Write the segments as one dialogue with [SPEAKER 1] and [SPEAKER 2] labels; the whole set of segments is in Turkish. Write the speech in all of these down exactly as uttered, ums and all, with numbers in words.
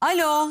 [SPEAKER 1] Alo.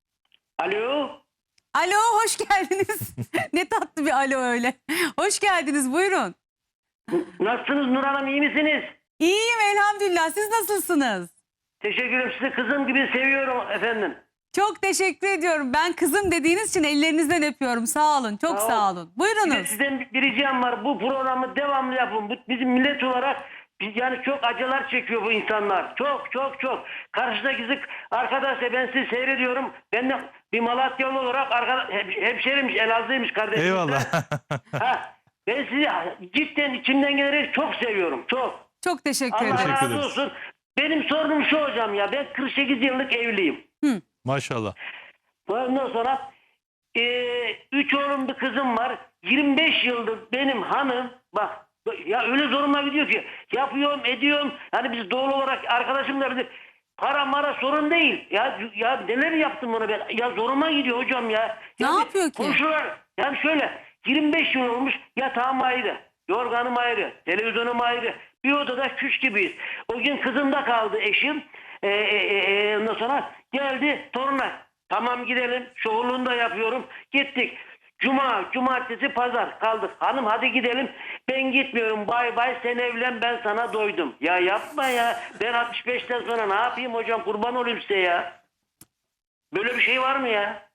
[SPEAKER 2] Alo.
[SPEAKER 1] Alo, hoş geldiniz. Ne tatlı bir alo öyle. Hoş geldiniz, buyurun.
[SPEAKER 2] Nasılsınız Nur Hanım, iyi misiniz?
[SPEAKER 1] İyiyim elhamdülillah. Siz nasılsınız?
[SPEAKER 2] Teşekkür ederim. Sizi kızım gibi seviyorum efendim.
[SPEAKER 1] Çok teşekkür ediyorum. Ben kızım dediğiniz için ellerinizden öpüyorum. Sağ olun. Çok
[SPEAKER 2] Sağ ol.
[SPEAKER 1] sağ olın.
[SPEAKER 2] Bir de
[SPEAKER 1] Buyurunuz.
[SPEAKER 2] sizden bir ricam var. Bu programı devamlı yapın. Bu, bizim millet olarak biz yani çok acılar çekiyor bu insanlar. Çok çok çok. Karşıdaki kızı arkadaşlar, ben sizi seyrediyorum. Ben de bir Malatyalı olarak arkadaş, hem, hemşerimmiş, Elazığ'ymış kardeşim.
[SPEAKER 3] Eyvallah.
[SPEAKER 2] Ha, ben sizi cidden içimden gelerek çok seviyorum. Çok.
[SPEAKER 1] Çok teşekkür
[SPEAKER 2] Allah
[SPEAKER 1] ederim.
[SPEAKER 2] razı
[SPEAKER 3] ederiz.
[SPEAKER 2] olsun. Benim sorunum şu hocam ya. Ben kırk sekiz yıllık evliyim.
[SPEAKER 3] Maşallah.
[SPEAKER 2] Ondan sonra e, üç oğlum bir kızım var. yirmi beş yıldır benim hanım bak ya öyle zoruma gidiyor ki yapıyorum ediyorum. Hani biz doğal olarak arkadaşımla bize para mara sorun değil. Ya ya neler yaptım ona ben. Ya zoruma gidiyor hocam ya.
[SPEAKER 1] Ne
[SPEAKER 2] Yani
[SPEAKER 1] yapıyor ki?
[SPEAKER 2] Komşular yani şöyle yirmi beş yıl olmuş, yatağım ayrı, yorganım ayrı, televizyonum ayrı. Bir odada küç gibiyiz. O gün kızımda kaldı eşim. Ee, e, e, ondan sonra geldi toruna. Tamam gidelim. Şovluğunu da yapıyorum. Gittik. Cuma, cumartesi, pazar kaldık. Hanım hadi gidelim. Ben gitmiyorum. Bay bay, sen evlen, ben sana doydum. Ya yapma ya. Ben altmış beşten sonra ne yapayım hocam? Kurban olayım size ya. Böyle bir şey var mı ya?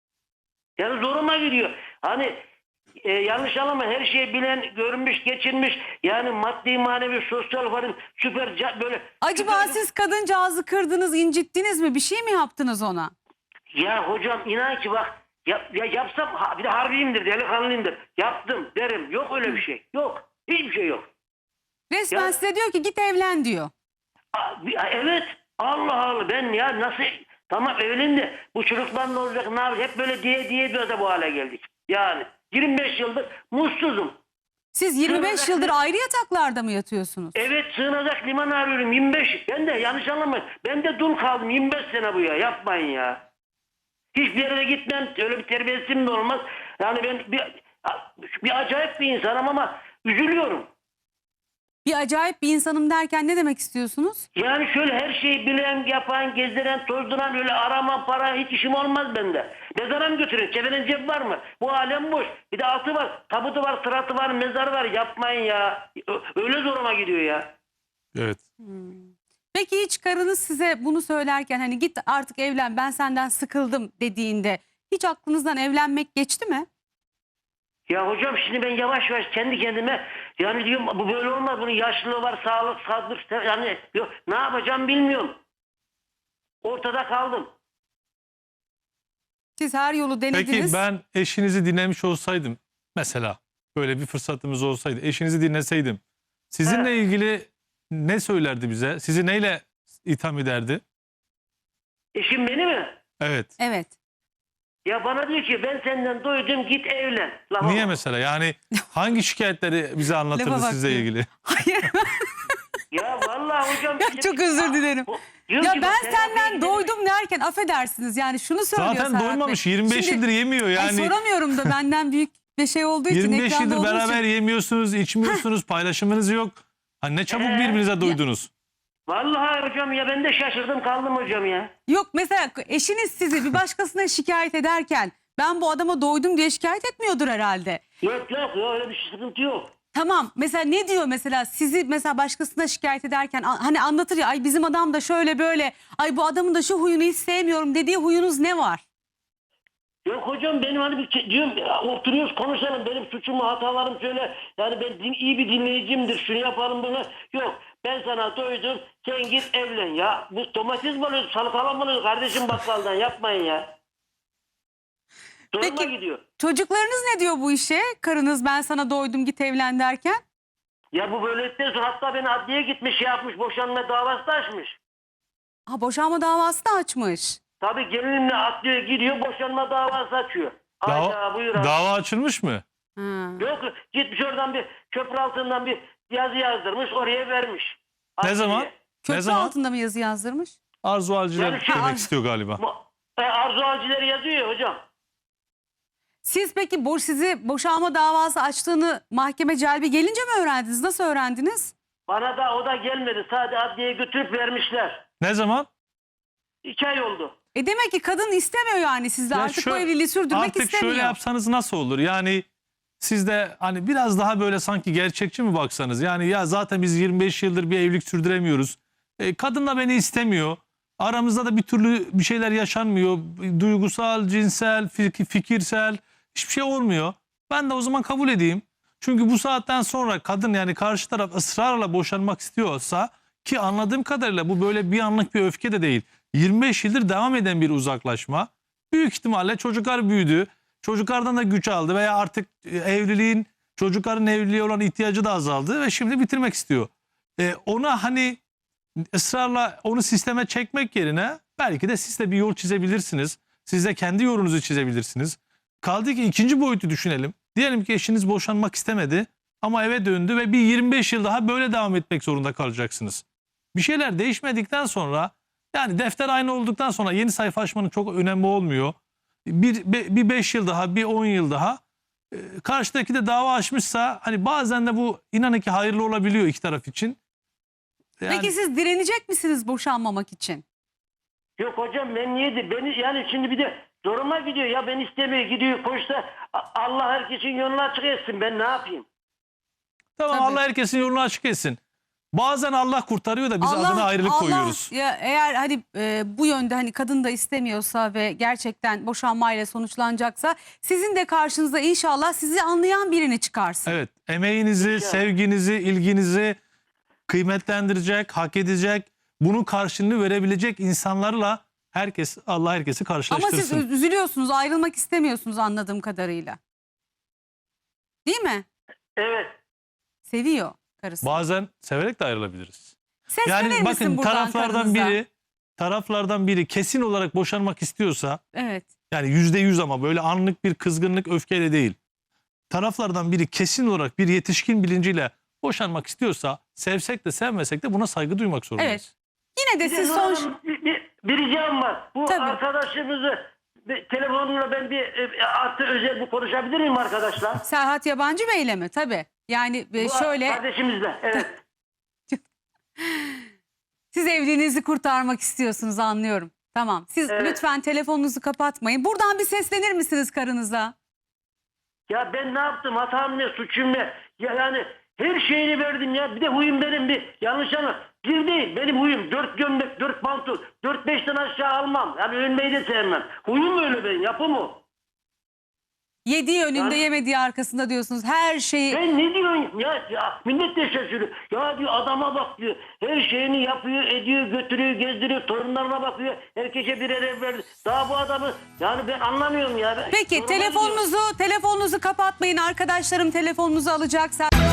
[SPEAKER 2] Yani zoruma gidiyor. Hani e, yanlış anlama, her şeyi bilen, görmüş, geçirmiş. Yani maddi, manevi, sosyal varın süper ca- böyle.
[SPEAKER 1] Acaba
[SPEAKER 2] süper-
[SPEAKER 1] siz kadıncağızı kırdınız, incittiniz mi? Bir şey mi yaptınız ona?
[SPEAKER 2] Ya hocam inan ki bak ya, ya yapsam ha, bir de harbiyimdir, delikanlıyımdır. Yaptım derim. Yok öyle bir şey. Yok. Hiçbir şey yok.
[SPEAKER 1] Resmen
[SPEAKER 2] Ya-
[SPEAKER 1] size diyor ki git evlen diyor.
[SPEAKER 2] Aa, bir- evet. Allah Allah, ben ya nasıl tamam evlenin de bu çocuklar ne olacak, ne yapacak, hep böyle diye diye diye de bu hale geldik. Yani yirmi beş yıldır mutsuzum.
[SPEAKER 1] Siz yirmi beş
[SPEAKER 2] Sığınacak
[SPEAKER 1] yıldır
[SPEAKER 2] ne-
[SPEAKER 1] ayrı yataklarda mı yatıyorsunuz?
[SPEAKER 2] Evet, sığınacak liman arıyorum yirmi beş. Ben de yanlış anlamayın. Ben de dul kaldım yirmi beş sene bu ya. Yapmayın ya. Hiçbir yere de gitmem. Öyle bir terbiyesizim de olmaz. Yani ben bir, bir acayip bir insanım ama üzülüyorum.
[SPEAKER 1] Bir acayip bir insanım derken ne demek istiyorsunuz?
[SPEAKER 2] Yani şöyle her şeyi bilen, yapan, gezdiren, tozduran, öyle arama, para hiç işim olmaz bende. Mezara mı götürün? Çeviren cep var mı? Bu alem boş. Bir de altı var, tabutu var, sıratı var, mezarı var. Yapmayın ya. Ö- Öyle zoruma gidiyor ya.
[SPEAKER 3] Evet.
[SPEAKER 1] Peki hiç karınız size bunu söylerken hani git artık evlen ben senden sıkıldım dediğinde hiç aklınızdan evlenmek geçti mi?
[SPEAKER 2] Ya hocam şimdi ben yavaş yavaş kendi kendime yani diyorum bu böyle olmaz, bunun yaşlılığı var, sağlık, sağlık yani yok, ne yapacağım bilmiyorum. Ortada kaldım.
[SPEAKER 1] Siz her yolu denediniz.
[SPEAKER 3] Peki ben eşinizi dinlemiş olsaydım mesela, böyle bir fırsatımız olsaydı, eşinizi dinleseydim sizinle
[SPEAKER 2] He.
[SPEAKER 3] ilgili ne söylerdi bize? Sizi neyle itham ederdi?
[SPEAKER 2] Eşim beni mi?
[SPEAKER 3] Evet.
[SPEAKER 1] Evet.
[SPEAKER 2] Ya bana diyor ki ben senden doydum, git evlen. Lafa
[SPEAKER 3] Niye
[SPEAKER 2] bak.
[SPEAKER 3] mesela? Yani hangi şikayetleri bize anlatırdı
[SPEAKER 1] Lafa bak
[SPEAKER 3] sizle
[SPEAKER 1] diyor.
[SPEAKER 3] ilgili?
[SPEAKER 1] Hayır.
[SPEAKER 2] Ya vallahi hocam.
[SPEAKER 1] Ya çok özür dilerim.
[SPEAKER 2] Bu- diyor
[SPEAKER 1] Ya
[SPEAKER 2] ki
[SPEAKER 1] ben
[SPEAKER 2] bak, terapiye
[SPEAKER 1] senden
[SPEAKER 2] gidelim.
[SPEAKER 1] doydum derken affedersiniz yani şunu söylüyor
[SPEAKER 3] Zaten
[SPEAKER 1] Serhat
[SPEAKER 3] doymamış.
[SPEAKER 1] Bey.
[SPEAKER 3] yirmi beş
[SPEAKER 1] Şimdi-
[SPEAKER 3] yıldır yemiyor
[SPEAKER 1] Ay,
[SPEAKER 3] yani.
[SPEAKER 1] soramıyorum da benden büyük bir şey olduğu için.
[SPEAKER 3] yirmi beş
[SPEAKER 1] ekranda
[SPEAKER 3] yıldır
[SPEAKER 1] olduğu
[SPEAKER 3] beraber
[SPEAKER 1] için.
[SPEAKER 3] yemiyorsunuz, içmiyorsunuz, paylaşımınız yok. Hani ne çabuk
[SPEAKER 2] Ee?
[SPEAKER 3] birbirinize doydunuz.
[SPEAKER 2] Vallahi hocam ya ben de şaşırdım kaldım hocam ya.
[SPEAKER 1] Yok mesela eşiniz sizi bir başkasına şikayet ederken ben bu adama doydum diye şikayet etmiyordur herhalde.
[SPEAKER 2] Yok yok yok, öyle bir sıkıntı yok.
[SPEAKER 1] Tamam mesela ne diyor mesela sizi mesela başkasına şikayet ederken a- hani anlatır ya ay bizim adam da şöyle böyle ay bu adamın da şu huyunu hiç sevmiyorum dediği huyunuz ne var?
[SPEAKER 2] Yok hocam benim hani bir ke- diyorum ya, oturuyoruz konuşalım, benim suçumu hatalarım söyle, yani ben din, iyi bir dinleyicimdir, şunu yapalım bunu. Yok, ben sana doydum, sen git evlen ya. Bu domates mi alıyorsun, salatalık mı alıyorsun kardeşim bakkaldan, yapmayın ya. Zoruma
[SPEAKER 1] Peki-
[SPEAKER 2] gidiyor.
[SPEAKER 1] Çocuklarınız ne diyor bu işe? Karınız ben sana doydum git evlen derken.
[SPEAKER 2] Ya bu böylelikten sonra hatta beni adliyeye gitmiş, şey yapmış, boşanma davası da açmış.
[SPEAKER 1] Ha boşanma davası da açmış.
[SPEAKER 2] Tabii gelinimle adliyeye gidiyor, boşanma davası açıyor. Hayda
[SPEAKER 3] Dava,
[SPEAKER 2] buyur abi.
[SPEAKER 3] dava açılmış mı?
[SPEAKER 1] Ha.
[SPEAKER 2] Yok, gitmiş oradan bir köprü altından bir yazı yazdırmış, oraya vermiş.
[SPEAKER 3] Ne
[SPEAKER 2] Adliyeye.
[SPEAKER 3] zaman?
[SPEAKER 1] Köprü
[SPEAKER 3] Ne zaman?
[SPEAKER 1] altında mı yazı yazdırmış?
[SPEAKER 3] Arzu Alciler
[SPEAKER 2] Yani şey-
[SPEAKER 3] demek istiyor galiba.
[SPEAKER 2] Ma- e, Arzu Alcileri yazıyor ya hocam.
[SPEAKER 1] Siz peki boş sizi boşanma davası açtığını mahkeme celbi gelince mi öğrendiniz? Nasıl öğrendiniz?
[SPEAKER 2] Bana da o da gelmedi. Sadece adliyeye götürüp vermişler.
[SPEAKER 3] Ne zaman?
[SPEAKER 2] İki ay oldu.
[SPEAKER 1] E demek ki kadın istemiyor yani sizle
[SPEAKER 3] Ya
[SPEAKER 1] artık
[SPEAKER 3] şu-
[SPEAKER 1] bu evliliği sürdürmek
[SPEAKER 3] Artık
[SPEAKER 1] istemiyor.
[SPEAKER 3] şöyle yapsanız nasıl olur? Yani siz de hani biraz daha böyle sanki gerçekçi mi baksanız? Yani ya zaten biz yirmi beş yıldır bir evlilik sürdüremiyoruz. E, kadın da beni istemiyor. Aramızda da bir türlü bir şeyler yaşanmıyor. Duygusal, cinsel, fik- fikirsel hiçbir şey olmuyor. Ben de o zaman kabul edeyim. Çünkü bu saatten sonra kadın yani karşı taraf ısrarla boşanmak istiyorsa, ki anladığım kadarıyla bu böyle bir anlık bir öfke de değil. yirmi beş yıldır devam eden bir uzaklaşma. Büyük ihtimalle çocuklar büyüdü. Çocuklardan da güç aldı veya artık e, evliliğin, çocukların evliliğe olan ihtiyacı da azaldı ve şimdi bitirmek istiyor. E, ona hani ısrarla onu sisteme çekmek yerine belki de siz de bir yol çizebilirsiniz. Siz de kendi yolunuzu çizebilirsiniz. Kaldı ki ikinci boyutu düşünelim. Diyelim ki eşiniz boşanmak istemedi ama eve döndü ve bir yirmi beş yıl daha böyle devam etmek zorunda kalacaksınız. Bir şeyler değişmedikten sonra, yani defter aynı olduktan sonra yeni sayfa açmanın çok önemi olmuyor. Bir, bir beş yıl daha, bir on yıl daha e, karşıdaki de dava açmışsa hani bazen de bu inanın ki hayırlı olabiliyor iki taraf için. Yani,
[SPEAKER 1] Peki siz direnecek misiniz boşanmamak için?
[SPEAKER 2] Yok hocam ben niye de beni yani şimdi bir de zoruma gidiyor ya, ben istemiyor gidiyor koşsa A- Allah herkesin yolunu açık etsin, ben ne yapayım?
[SPEAKER 3] tamam
[SPEAKER 1] Tabii.
[SPEAKER 3] Allah herkesin yolunu açık etsin. Bazen Allah kurtarıyor da biz adına ayrılık
[SPEAKER 1] Allah,
[SPEAKER 3] koyuyoruz.
[SPEAKER 1] Ya eğer hani e, bu yönde hani kadın da istemiyorsa ve gerçekten boşanmayla sonuçlanacaksa sizin de karşınıza inşallah sizi anlayan birini çıkarsın.
[SPEAKER 3] Evet, emeğinizi, sevginizi, ilginizi kıymetlendirecek, hak edecek, bunun karşılığını verebilecek insanlarla herkes, Allah herkesi
[SPEAKER 1] Ama
[SPEAKER 3] karşılaştırsın.
[SPEAKER 1] siz üz- üzülüyorsunuz, ayrılmak istemiyorsunuz anladığım kadarıyla. Değil mi?
[SPEAKER 2] Evet.
[SPEAKER 1] Seviyor karısı.
[SPEAKER 3] Bazen severek de ayrılabiliriz.
[SPEAKER 1] Seslenir
[SPEAKER 3] Yani
[SPEAKER 1] misin
[SPEAKER 3] bakın
[SPEAKER 1] buradan
[SPEAKER 3] taraflardan
[SPEAKER 1] karınıza?
[SPEAKER 3] biri taraflardan biri kesin olarak boşanmak istiyorsa,
[SPEAKER 1] Evet.
[SPEAKER 3] yani yüzde yüz ama böyle anlık bir kızgınlık, öfkeyle değil. Taraflardan biri kesin olarak bir yetişkin bilinciyle boşanmak istiyorsa, sevsek de sevmesek de buna saygı duymak zorundayız.
[SPEAKER 1] Evet. Yine de
[SPEAKER 2] Bir, de
[SPEAKER 1] siz
[SPEAKER 2] Nur
[SPEAKER 1] son...
[SPEAKER 2] Hanım, bir, bir, bir ricam var. Bu
[SPEAKER 1] Tabii.
[SPEAKER 2] arkadaşımızı bir, telefonla ben bir e, artı özel bir konuşabilir miyim arkadaşlar?
[SPEAKER 1] Serhat Yabancı Bey'le mi? Tabii. Yani e,
[SPEAKER 2] Bu
[SPEAKER 1] şöyle
[SPEAKER 2] kardeşimizle. Evet.
[SPEAKER 1] siz evliliğinizi kurtarmak istiyorsunuz anlıyorum. Tamam. Siz
[SPEAKER 2] Evet.
[SPEAKER 1] lütfen telefonunuzu kapatmayın. Buradan bir seslenir misiniz karınıza?
[SPEAKER 2] Ya ben ne yaptım? Hatam ne? Suçum ne? Ya yani her şeyini verdim ya. Bir de huyum benim bir. Yanlış anla. Bir değil. Benim huyum. Dört gömlek, dört pantol. Dört beşten aşağı almam. Yani ölmeyi de sevmem. Huyum öyle benim. Yapım o.
[SPEAKER 1] Yediği önünde
[SPEAKER 2] Yani-
[SPEAKER 1] yemediği arkasında diyorsunuz. Her şeyi...
[SPEAKER 2] Ben ne diyorsun ya, ya millet de şaşırıyor. Ya diyor adama bak diyor. Her şeyini yapıyor, ediyor, götürüyor, gezdiriyor. Torunlarına bakıyor. Herkese birer ev verdi. Daha bu adamı yani ben anlamıyorum ya. Ben-
[SPEAKER 1] Peki
[SPEAKER 2] Zoruma gidiyor.
[SPEAKER 1] telefonunuzu telefonunuzu kapatmayın. Arkadaşlarım telefonunuzu alacak.